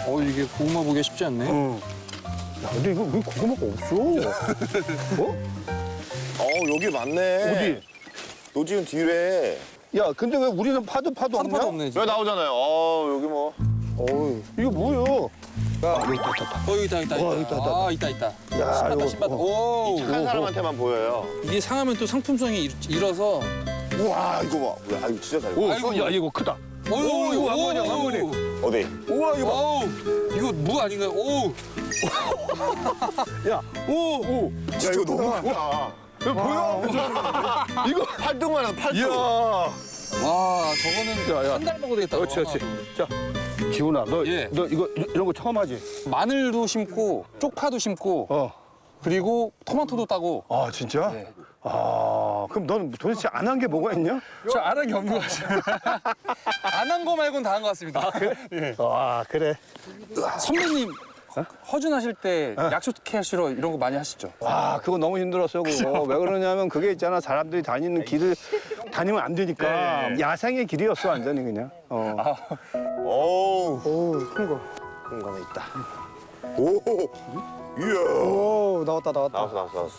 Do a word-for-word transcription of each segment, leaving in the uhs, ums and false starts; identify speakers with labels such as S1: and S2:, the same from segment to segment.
S1: 어, 이게 고구마 보기가 쉽지 않네.
S2: 어. 야, 근데 이거 왜 고구마가 없어? 어?
S3: 어, 여기 맞네.
S2: 어디?
S3: 너 지금 뒤래.
S2: 야, 근데 왜 우리는 파도 파도
S1: 파도
S2: 없냐?
S1: 파도 없네.
S3: 왜
S1: 지금.
S3: 나오잖아요. 어, 여기 뭐.
S2: 어이, 이거 뭐야? 아, 여기 있다, 있다, 있다.
S1: 어, 여기 있다, 있다,
S2: 와,
S1: 있다.
S2: 있다, 있다.
S1: 아, 있다, 있다.
S2: 야,
S1: 신봤다,
S2: 이거,
S1: 신봤다.
S2: 어.
S1: 오.
S3: 착한 사람한테만 보여요.
S1: 이게 상하면 또 상품성이 일- 일어서.
S3: 우와, 이거 봐. 야, 이거 진짜 잘 봐.
S2: 오,
S1: 아이고.
S2: 야, 이거 크다.
S1: 오,
S2: 오, 이거 한 번이야, 한 번에.
S3: 어디?
S2: 우와, 이거 봐.
S1: 오, 이거 무 아닌가요? 오.
S2: 야, 오, 오.
S3: 야, 이거 너무 크다.
S2: 이거 보여? 이거.
S3: 팔뚝만 한 팔뚝.
S2: 이야.
S1: 와, 저거는
S2: 야, 야.
S1: 한 달 먹어도 되겠다.
S2: 그렇지, 그렇지. 자, 기훈아, 너,
S1: 예.
S2: 너 이거 이런 거 처음 하지?
S1: 마늘도 심고, 쪽파도 심고,
S2: 어.
S1: 그리고 토마토도 따고.
S2: 아, 진짜?
S1: 네.
S2: 아, 그럼 넌 도대체 안 한 게 뭐가 있냐?
S1: 저 안 한 게 없는 것 같아요. 안 한 거 말고는 다 한 것 같습니다. 예.
S2: 아, 그래.
S1: 선배님 허준하실 때 약속 캐시러 이런 거 많이 하시죠?
S2: 와, 그거 너무 힘들었어, 그거. 왜 그러냐면 그게 있잖아. 사람들이 다니는 길을 다니면 안 되니까. 야생의 길이었어, 완전히 그냥. 어.
S3: 오우.
S2: 오, 큰 거.
S3: 그런 거는 있다. 오. 이야.
S4: 오 나왔다 나왔다.
S3: 나왔어, 나왔어, 나왔어.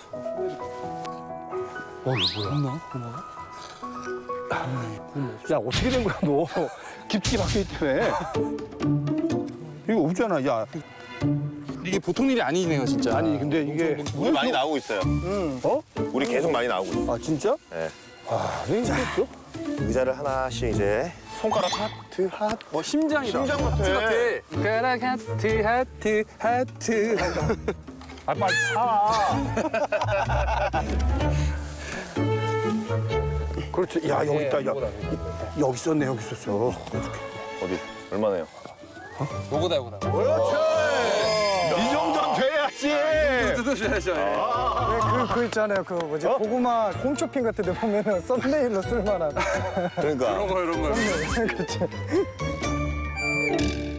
S2: 어, 이거 뭐야?
S1: 없나? 고마워.
S2: 야, 어떻게 된 거야, 너? 깊이 박혀있기 때문에. 이거 없잖아, 야.
S1: 이게 보통 일이 아니네요, 진짜.
S2: 아니, 근데 이게.
S3: 우리 많이 나오고 있어요.
S2: 어?
S3: 우리 계속 많이 나오고 있어.
S2: 아, 진짜?
S3: 네.
S2: 아, 왜 이랬어?
S3: 의자를 하나씩 이제 손가락 하트, 하트.
S1: 뭐 심장이다.
S3: 심장 같아.
S1: 하트 같아. 가락 하트 하트 하트.
S2: 아, 빨리 파. 그렇지. 야, 여기 있다. 야, 여기 있었네, 여기 있었어.
S3: 어디? 얼마나요?
S1: 요거다 요거다.
S2: 그렇지. 이 정도는 돼야지.
S1: 뜯어줘야죠.
S4: 네, 그, 그 있잖아요. 그 뭐지 고구마 홈쇼핑 같은 데 보면은 썸네일로 쓸만한.
S3: 그러니까.
S1: 이런 거 이런 거.
S4: 그렇지.